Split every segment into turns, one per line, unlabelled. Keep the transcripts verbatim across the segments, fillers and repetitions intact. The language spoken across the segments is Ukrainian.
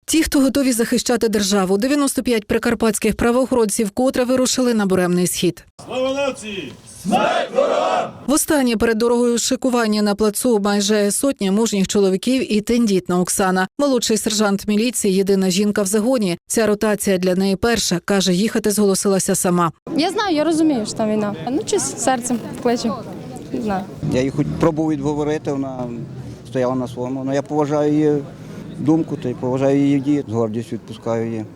Ті, хто готові захищати державу, дев'яносто п'ять прикарпатських правоохоронців вкотре вирушили на буремний схід.
Слава нації! Смерть ворогам!
Востаннє перед дорогою шикування на плацу майже сотня мужніх чоловіків і тендітна Оксана. Молодший сержант міліції, єдина жінка в загоні. Ця ротація для неї перша. Каже, їхати зголосилася сама.
Я знаю, я розумію, що там війна. Ну, чи серцем кличе. Не знаю.
Я її хоч пробував відговорити, вона стояла на своєму. Але я поважаю її думку, та й поважаю її дії. З гордістю відпускаю її.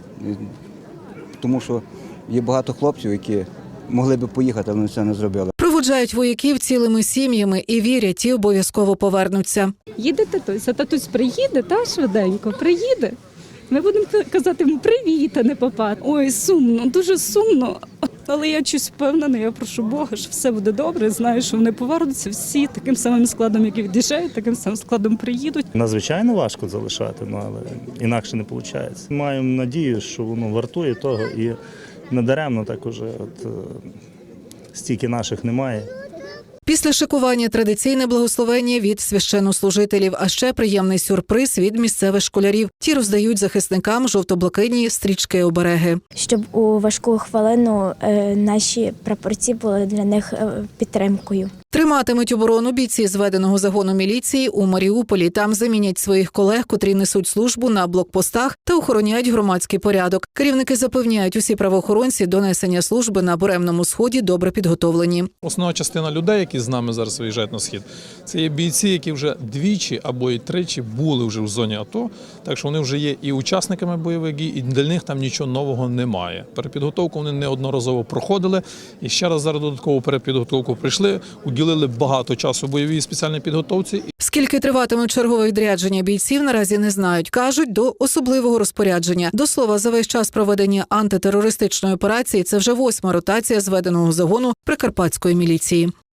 Тому що є багато хлопців, які могли би поїхати, але це не зробили.
Проводжають вояків цілими сім'ями і вірять, ті обов'язково повернуться.
Їде татусь, а татусь приїде, та швиденько, приїде. Ми будемо казати йому привіт, а не папа. Ой, сумно, дуже сумно. Але я щось впевнена, я прошу Бога, що все буде добре. Знаю, що вони повернуться всі таким самим складом, як і від'їжджають, таким самим складом приїдуть.
Надзвичайно важко залишати, ну, але інакше не виходить. Маємо надію, що воно вартує того і надаремно так уже от, стільки наших немає.
Після шикування традиційне благословення від священнослужителів, а ще приємний сюрприз від місцевих школярів. Ті роздають захисникам жовто-блакитні стрічки-обереги.
Щоб у важку хвилину е, наші прапорці були для них е, підтримкою.
Триматимуть оборону бійці зведеного загону міліції у Маріуполі. Там замінять своїх колег, котрі несуть службу на блокпостах та охороняють громадський порядок. Керівники запевняють, усі правоохоронці до несення служби на буремному сході добре підготовлені.
Основна частина людей, які з нами зараз виїжджають на схід, це є бійці, які вже двічі або і тричі були вже в зоні АТО, так що вони вже є і учасниками бойових дій, і для них там нічого нового немає. Перепідготовку вони неодноразово проходили, і ще раз зараз додаткову перепідготовку прийшли, уділили багато часу бойовій спеціальній підготовці.
Скільки триватиме чергове відрядження бійців, наразі не знають. Кажуть, до особливого розпорядження. До слова, за весь час проведення антитерористичної операції це вже восьма ротація зведеного загону прикарпатської міліції.